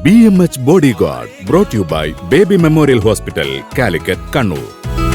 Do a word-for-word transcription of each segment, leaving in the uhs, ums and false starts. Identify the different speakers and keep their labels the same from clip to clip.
Speaker 1: B M H bodyguard brought you by Baby Memorial Hospital, Calicut, Kannur.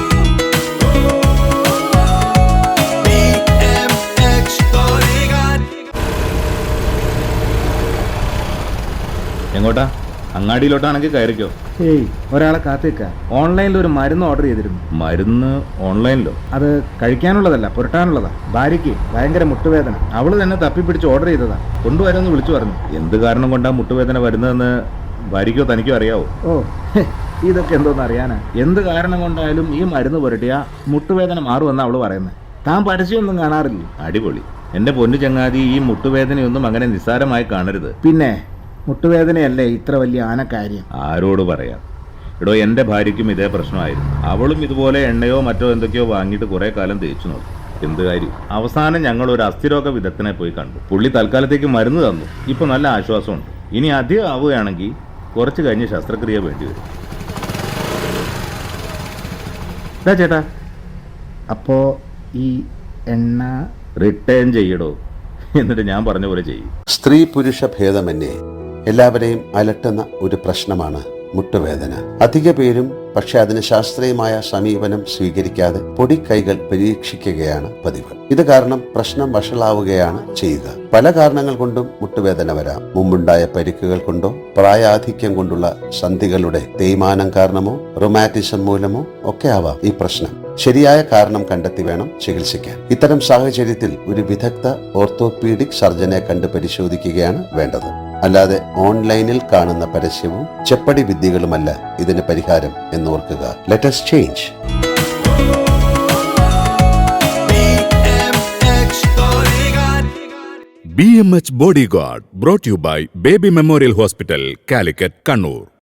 Speaker 2: എങ്ങോട്ടാ? അങ്ങാടിയിലോട്ടാണെങ്കിൽ കയറിക്കോ.
Speaker 3: ഏയ്, ഒരാളെ കാത്തേക്ക. ഓൺലൈനിൽ ഒരു മരുന്ന് ഓർഡർ ചെയ്തിരുന്നു.
Speaker 2: മരുന്ന് ഓൺലൈനിലോ?
Speaker 3: അത് കഴിക്കാനുള്ളതല്ല, പുരട്ടാനുള്ളതാ. ഭാര്യയ്ക്ക് ഭയങ്കര മുട്ടുവേദന. അവള് തന്നെ തപ്പിപ്പിടിച്ച് ഓർഡർ ചെയ്തതാ. കൊണ്ടുവരുമെന്ന് വിളിച്ചു പറഞ്ഞു.
Speaker 2: എന്ത് കാരണം കൊണ്ടാ മുട്ടുവേദന വരുന്നതെന്ന് ഭാര്യയ്ക്കോ തനിക്കോ അറിയാവോ?
Speaker 3: ഓ, ഇതൊക്കെ എന്തോന്ന് അറിയാനാ. എന്ത് കാരണം കൊണ്ടായാലും ഈ മരുന്ന് പുരട്ടിയ മുട്ടുവേദന മാറുമെന്നാ അവള് പറയുന്നത്. താൻ പരസ്യമൊന്നും കാണാറില്ല.
Speaker 2: അടിപൊളി. എന്റെ പൊന്നു ചങ്ങാതി, ഈ മുട്ടുവേദനയൊന്നും അങ്ങനെ നിസ്സാരമായി കാണരുത്.
Speaker 3: പിന്നെ മുട്ടുവേദനയല്ലേ ഇത്ര വലിയ ആനക്കാര്യം?
Speaker 2: ആരോട് പറയാം. എടോ, എൻ്റെ ഭാര്യയ്ക്കും ഇതേ പ്രശ്നമായിരുന്നു. അവളും ഇതുപോലെ എണ്ണയോ മറ്റോ എന്തൊക്കെയോ വാങ്ങിയിട്ട് കുറേ കാലം തേച്ചു നോക്കി. എന്ത് കാര്യം? അവസാനം ഞങ്ങൾ ഒരു അസ്ഥിരോഗ വിദഗ്ധനെ പോയി കണ്ടു. പുള്ളി തൽക്കാലത്തേക്ക് മരുന്ന് തന്നു. ഇപ്പൊ നല്ല ആശ്വാസമുണ്ട്. ഇനി അധികം ആവുകയാണെങ്കിൽ കുറച്ച് കഴിഞ്ഞ് ശസ്ത്രക്രിയ വേണ്ടി വരും.
Speaker 3: ഇതാ ചേട്ടാ, അപ്പോ ഈ എണ്ണ
Speaker 2: റിട്ടേൺ ചെയ്യടോ, എന്നിട്ട് ഞാൻ പറഞ്ഞ പോലെ ചെയ്യും.
Speaker 4: സ്ത്രീ പുരുഷ ഭേദമന്യേ എല്ലാവരെയും അലട്ടുന്ന ഒരു പ്രശ്നമാണ് മുട്ടുവേദന. അധിക പേരും പക്ഷെ അതിന് ശാസ്ത്രീയമായ സമീപനം സ്വീകരിക്കാതെ പൊടിക്കൈകൾ പരീക്ഷിക്കുകയാണ് പതിവ്. ഇത് കാരണം പ്രശ്നം വഷളാവുകയാണ് ചെയ്യുക. പല കാരണങ്ങൾ കൊണ്ടും മുട്ടുവേദന വരാം. മുമ്പുണ്ടായ പരിക്കുകൾ കൊണ്ടോ പ്രായാധിക്യം കൊണ്ടുള്ള സന്ധികളുടെ തേയ്മാനം കാരണമോ റൊമാറ്റിസം മൂലമോ ഒക്കെ ആവാം ഈ പ്രശ്നം. ശരിയായ കാരണം കണ്ടെത്തി വേണം ചികിത്സിക്കാൻ. ഇത്തരം സാഹചര്യത്തിൽ ഒരു വിദഗ്ധ ഓർത്തോപീഡിക് സർജനെ കണ്ട് പരിശോധിക്കുകയാണ് വേണ്ടത്. അല്ലാതെ ഓൺലൈനിൽ കാണുന്ന പരസ്യവും ചെപ്പടി വിദ്യകളുമല്ല ഇതിന് പരിഹാരം എന്നോർക്കുക. Let us change.
Speaker 1: B M H bodyguard brought you by Baby Memorial Hospital, Calicut, Kannur.